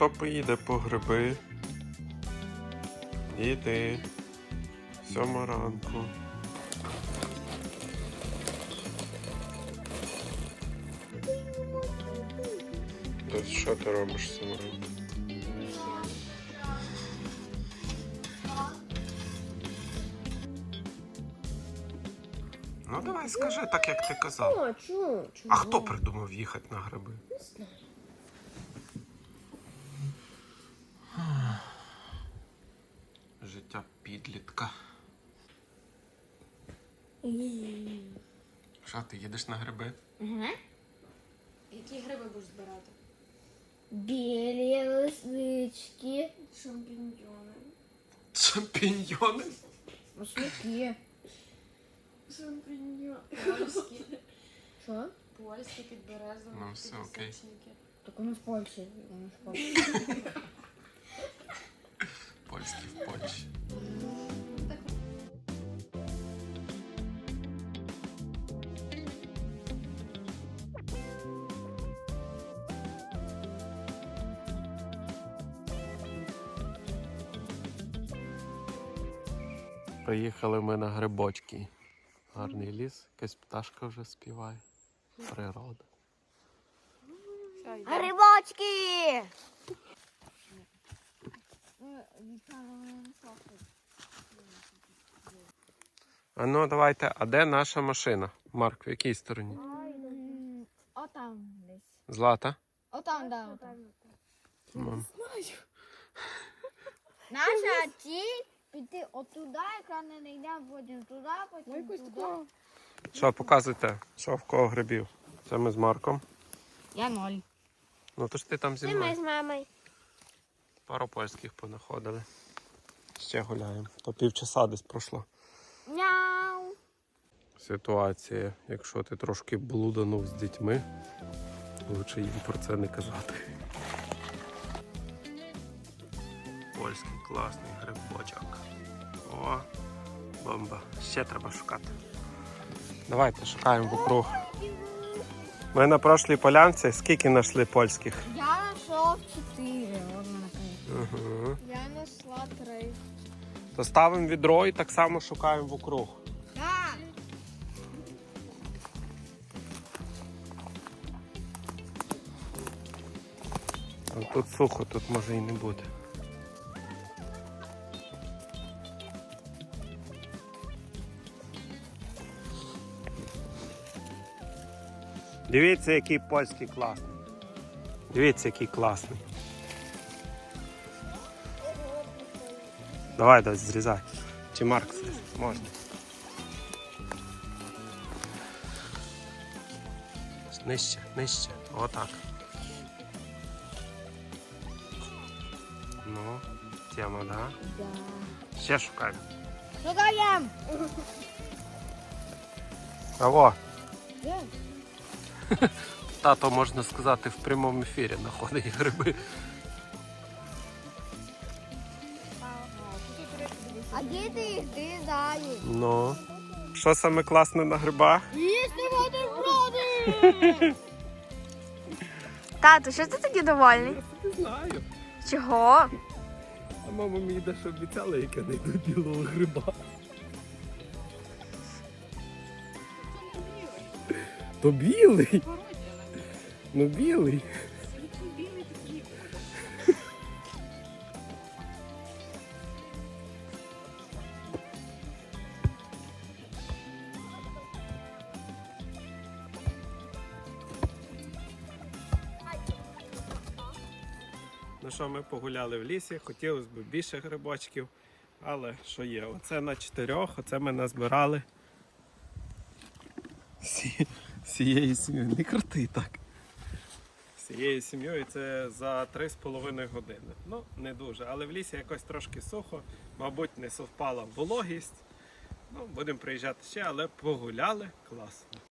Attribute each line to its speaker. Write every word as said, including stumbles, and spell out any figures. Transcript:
Speaker 1: хто поїде по гриби? Іди. Сьома ранку. То що ти робиш з сьома ранку? Ну давай скажи так, як ти казав.
Speaker 2: О, чу, чу.
Speaker 1: А хто придумав їхати на гриби?
Speaker 2: Не знаю.
Speaker 1: Життя підлітка. Що, ти їдеш на гриби?
Speaker 2: Ага.
Speaker 3: Які гриби будеш збирати?
Speaker 2: Білі лисички.
Speaker 3: Шампіньйони.
Speaker 1: Шампіньйони?
Speaker 2: Маслики.
Speaker 3: Шампіньйони. Польські.
Speaker 2: Що?
Speaker 3: Польські підберезові.
Speaker 1: Ну, все, окей.
Speaker 3: підлісичники.
Speaker 2: Так у нас Польща. У нас Польща.
Speaker 1: Польські в Польщі. Приїхали ми на грибочки. Гарний ліс, якась пташка вже співає. Природа.
Speaker 2: Грибочки!
Speaker 1: А ну давайте, а де наша машина? Марк, в якій стороні?
Speaker 2: Отам десь.
Speaker 1: Злата?
Speaker 2: Отам, да. Отам.
Speaker 1: Мам.
Speaker 2: Наша ціль піти отуда, яка не йдемо, потім туди, потім туди.
Speaker 1: Що, показуйте, що в кого грибів? Це ми з Марком.
Speaker 2: Я ноль.
Speaker 1: Ну то ж ти там зі
Speaker 2: І ми
Speaker 1: мною.
Speaker 2: з мамою.
Speaker 1: Пару польських понаходили. Ще гуляємо. То півчаса десь пройшло.
Speaker 2: Мяу.
Speaker 1: Ситуація, якщо ти трошки блуданув з дітьми, лучше їм про це не казати. Польський класний грибочок. О, бомба. Ще треба шукати. Давайте шукаємо вокруг. Ми на прошлій полянці скільки знайшли польських?
Speaker 2: Я знайшов чотири.
Speaker 1: Угу.
Speaker 2: Я знайшла три.
Speaker 1: То ставимо відро і так само шукаємо вокруг.
Speaker 2: Так.
Speaker 1: А тут сухо, тут може і не бути. Дивіться, який польський класний. Дивіться, який класний. Давай, дай зрізай. Чи Марк зрізай? Можна. Нижче, нижче. Отак. Ну, тема, да?
Speaker 2: Да.
Speaker 1: Ще шукаємо.
Speaker 2: Шукаємо.
Speaker 1: Кого?
Speaker 2: Де?
Speaker 1: Тато, можна сказати, в прямому ефірі знаходить гриби.
Speaker 2: А де ти їх зрізаєш?
Speaker 1: Ну. Що саме класне на грибах?
Speaker 2: Їсти бутерброди!
Speaker 4: Тату, що ти такий довольний?
Speaker 1: Не знаю.
Speaker 4: Чого?
Speaker 1: А мама мені дещо обіцяла, яке знайду білого гриба. То білий? Ну білий. Ну що, ми погуляли в лісі, хотілося б більше грибочків, але що є? Оце на чотирьох, оце ми назбирали Сі... всією сім'єю. Не крути так. Всією сім'єю це за три з половиною години. Ну, не дуже, але в лісі якось трошки сухо, мабуть, не совпала вологість. Ну, будемо приїжджати ще, але погуляли класно.